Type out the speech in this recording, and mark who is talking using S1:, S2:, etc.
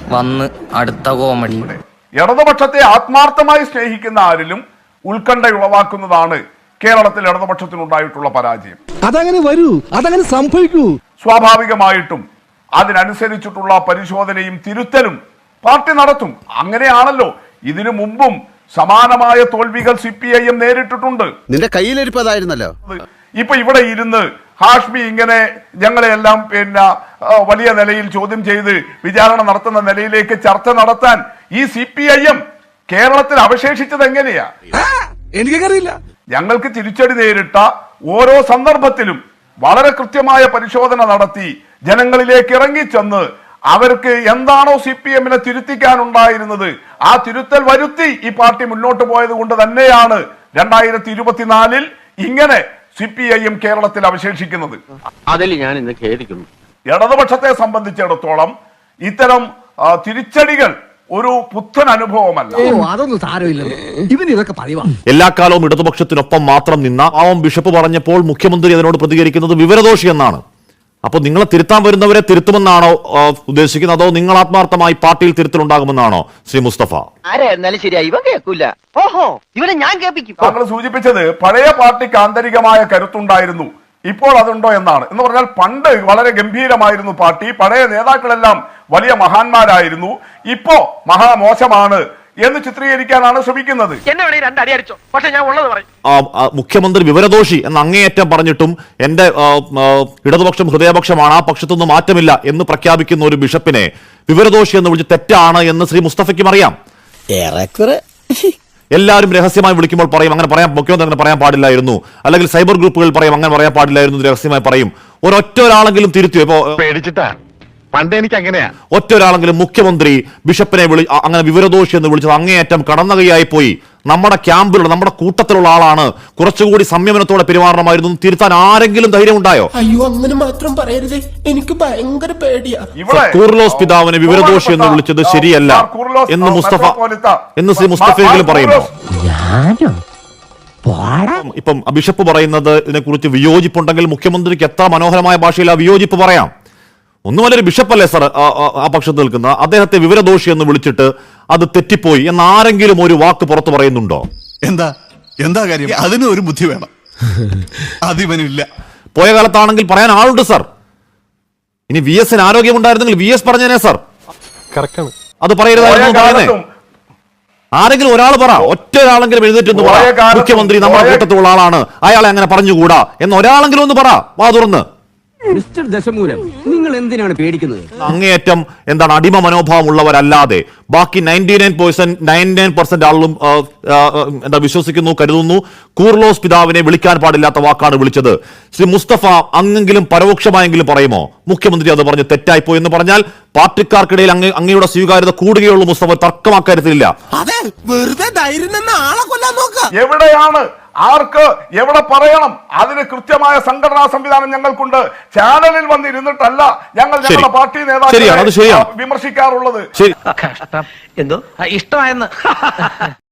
S1: വന്ന് അടുത്ത കോമഡി.
S2: ഇടതുപക്ഷത്തെ ആത്മാർത്ഥമായി സ്നേഹിക്കുന്ന ആരിലും ഉത്കണ്ഠ ഉളവാക്കുന്നതാണ് കേരളത്തിൽ ഇടതുപക്ഷത്തിനുണ്ടായിട്ടുള്ള പരാജയം.
S3: അതങ്ങനെ വരൂ, അതങ്ങനെ സംഭവിക്കൂ.
S2: സ്വാഭാവികമായിട്ടും അതിനനുസരിച്ചിട്ടുള്ള പരിശോധനയും തിരുത്തലും പാർട്ടി നടത്തും. അങ്ങനെയാണല്ലോ ഇതിനു മുമ്പും സമാനമായ തോൽവികൾ CPIM നേരിട്ടിട്ടുണ്ട്.
S4: നിന്റെ കയ്യിലിരിപ്പതായിരുന്നല്ലോ.
S2: ഇപ്പൊ ഇവിടെ ഇരുന്ന് ഹാഷ്മി ഇങ്ങനെ ഞങ്ങളെല്ലാം വലിയ നിലയിൽ ചോദ്യം ചെയ്ത് വിചാരണ നടത്തുന്ന നിലയിലേക്ക് ചർച്ച നടത്താൻ ഈ CPIM കേരളത്തിൽ അവശേഷിച്ചത് എങ്ങനെയാ?
S3: എനിക്കറിയില്ല.
S2: ഞങ്ങൾക്ക് തിരിച്ചടി നേരിട്ട ഓരോ സന്ദർഭത്തിലും വളരെ കൃത്യമായ പരിശോധന നടത്തി ജനങ്ങളിലേക്ക് ഇറങ്ങിച്ചെന്ന് അവർക്ക് എന്താണോ CPM-നെ തിരുത്തിക്കാനുണ്ടായിരുന്നത് ആ തിരുത്തൽ വരുത്തി ഈ പാർട്ടി മുന്നോട്ട് പോയത് കൊണ്ട് തന്നെയാണ് 2024 ഇങ്ങനെ CPIM കേരളത്തിൽ അവശേഷിക്കുന്നത്.
S5: അതിൽ ഞാൻ ഇന്ന് ഖേദിക്കുന്നു.
S2: ഇടതുപക്ഷത്തെ സംബന്ധിച്ചിടത്തോളം ഇത്തരം തിരിച്ചടികൾ ഒരു പുത്തൻ അനുഭവമല്ല.
S3: അതൊന്നും സാരമില്ല, ഇവന് ഇതൊക്കെ പതിവാ.
S6: എല്ലാ കാലവും ഇടതുപക്ഷത്തിനൊപ്പം മാത്രം നിന്ന പാവം ബിഷപ്പ് പറഞ്ഞപ്പോൾ മുഖ്യമന്ത്രി അതിനോട് പ്രതികരിക്കുന്നത് വിവരദോഷി എന്നാണ്. അപ്പൊ നിങ്ങളെ തിരുത്താൻ വരുന്നവരെ തിരുത്തുമെന്നാണോ ഉദ്ദേശിക്കുന്നത്, അതോ നിങ്ങൾ ആത്മാർത്ഥമായി പാർട്ടിയിൽ തിരുത്തലുണ്ടാകുമെന്നാണോ ശ്രീ മുസ്തഫ?
S5: ആരെന്നാലും ശരിയായി ഇവ കേൾക്കൂല. ഓഹോ, ഇവനെ ഞാൻ കേൾപ്പിക്കും.
S2: താങ്കൾ സൂചിപ്പിച്ചത് പഴയ പാർട്ടിക്ക് ആന്തരികമായ കരുത്തുണ്ടായിരുന്നു, ഇപ്പോൾ അതുണ്ടോ എന്നാണ്. എന്ന് പറഞ്ഞാൽ പണ്ട് വളരെ ഗംഭീരമായിരുന്നു പാർട്ടി, പഴയ നേതാക്കളെല്ലാം വലിയ മഹാന്മാരായിരുന്നു, ഇപ്പോ മഹാമോശമാണ് എന്ന് ചിത്രീകരിക്കാനാണ് ശ്രമിക്കുന്നത്.
S6: മുഖ്യമന്ത്രി വിവരദോഷി എന്ന് അങ്ങേയറ്റം പറഞ്ഞിട്ടും എന്റെ ഇടതുപക്ഷം ഹൃദയപക്ഷമാണ്, ആ പക്ഷത്തൊന്നും മാറ്റമില്ല എന്ന് പ്രഖ്യാപിക്കുന്ന ഒരു ബിഷപ്പിനെ വിവരദോഷി എന്ന് വിളിച്ച് തെറ്റാണ് എന്ന് ശ്രീ മുസ്തഫയ്ക്കും അറിയാം. എല്ലാവരും രഹസ്യമായി വിളിക്കുമ്പോൾ പറയും അങ്ങനെ പറയാൻ മുഖ്യമന്ത്രി അങ്ങനെ പറയാൻ പാടില്ലായിരുന്നു, അല്ലെങ്കിൽ സൈബർ ഗ്രൂപ്പുകൾ പറയും അങ്ങനെ പറയാൻ പാടില്ലായിരുന്നു, രഹസ്യമായി പറയും. ഒരൊറ്റ ഒരാളെങ്കിലും തിരുത്തിയോ? ഇപ്പോ
S7: പേടിച്ചിട്ടാ പണ്ട് എനിക്ക് അങ്ങനെയാ.
S6: ഒറ്റ ഒരാളെങ്കിലും മുഖ്യമന്ത്രി ബിഷപ്പിനെ അങ്ങനെ വിവരദോഷി എന്ന് വിളിച്ചത് അങ്ങേയറ്റം കടന്ന കൈയായി പോയി, നമ്മുടെ ക്യാമ്പിലുള്ള നമ്മുടെ കൂട്ടത്തിലുള്ള ആളാണ്, കുറച്ചുകൂടി സംയമനത്തോടെ പെരുമാറണമായിരുന്നു, തിരുത്താൻ ആരെങ്കിലും ധൈര്യം ഉണ്ടായോ?
S8: അയ്യോ, അങ്ങനെ മാത്രം പറയരുത്, എനിക്ക് ഭയങ്കര പേടിയാ.
S6: കൂർലോസ് പിതാവിനെ വിവരദോഷി എന്ന് വിളിച്ചത് ശരിയല്ല എന്ന് ശ്രീ മുസ്തഫയെങ്കിലും പറയുമോ? ഇപ്പം ബിഷപ്പ് പറയുന്നത് ഇതിനെക്കുറിച്ച് വിയോജിപ്പുണ്ടെങ്കിൽ മുഖ്യമന്ത്രിക്ക് എത്ര മനോഹരമായ ഭാഷയിൽ ആ വിയോജിപ്പ് പറയാം. ഒന്നുമല്ലൊരു ബിഷപ്പല്ലേ സാർ ആ പക്ഷത്ത് നിൽക്കുന്ന, അദ്ദേഹത്തെ വിവരദോഷി എന്ന് വിളിച്ചിട്ട് അത് തെറ്റിപ്പോയി എന്ന് ആരെങ്കിലും ഒരു വാക്ക് പുറത്തു പറയുന്നുണ്ടോ?
S9: എന്താ കാര്യം? അതിന് ഒരു ബുദ്ധി വേണം, അതിവനില്ല.
S6: പോയ കാലത്താണെങ്കിൽ പറയാൻ ആളുണ്ട് സാർ. ഇനി VS-ന് ആരോഗ്യമുണ്ടായിരുന്നെങ്കിൽ VS പറഞ്ഞേനെ സാർ, അത് പറയരുതായിരുന്നു പറയുന്നേ. ആരെങ്കിലും ഒരാൾ പറ, ഒറ്റ ഒരാളെങ്കിലും എഴുന്നേറ്റൊന്ന് പറ, മുഖ്യമന്ത്രി നമ്മുടെ കൂട്ടത്തിലുള്ള ആളാണ്, അയാളെ അങ്ങനെ പറഞ്ഞുകൂടാ എന്ന് ഒരാളെങ്കിലും ഒന്ന് പറ, വാ തുറന്ന്.
S3: മിസ്റ്റർ ദശമൂലം, നിങ്ങൾ എന്തിനാണ് പേടിക്കുന്നത്?
S6: അങ്ങേയറ്റം എന്താണ് അടിമ മനോഭാവം ഉള്ളവരല്ലാതെ ബാക്കി 99% ആളും എന്താ വിശ്വസിക്കുന്നു, കരുതുന്നു കൂർലോസ് പിതാവിനെ വിളിക്കാൻ പാടില്ലാത്ത വാക്കാണ് വിളിച്ചത്. ശ്രീ മുസ്തഫ അങ്ങെങ്കിലും പരോക്ഷമായെങ്കിലും പറയുമോ മുഖ്യമന്ത്രി അത് പറഞ്ഞ് തെറ്റായിപ്പോയി എന്ന് പറഞ്ഞാൽ പാർട്ടിക്കാർക്കിടയിൽ അങ്ങയുടെ സ്വീകാര്യത കൂടുകയുള്ളൂ? മുസ്തഫ തർക്കമാക്കാര്യത്തിലില്ല.
S2: എവിടെയാണ് ആർക്ക് എവിടെ പറയണം അതിന് കൃത്യമായ സംഘടനാ സംവിധാനം ഞങ്ങൾക്കുണ്ട്. ചാനലിൽ വന്നിരുന്നിട്ടല്ല ഞങ്ങൾ ഞങ്ങളുടെ പാർട്ടി നേതാക്കളെ വിമർശിക്കാറുള്ളത്.
S5: എന്തോ ഇഷ്ടമായെന്ന്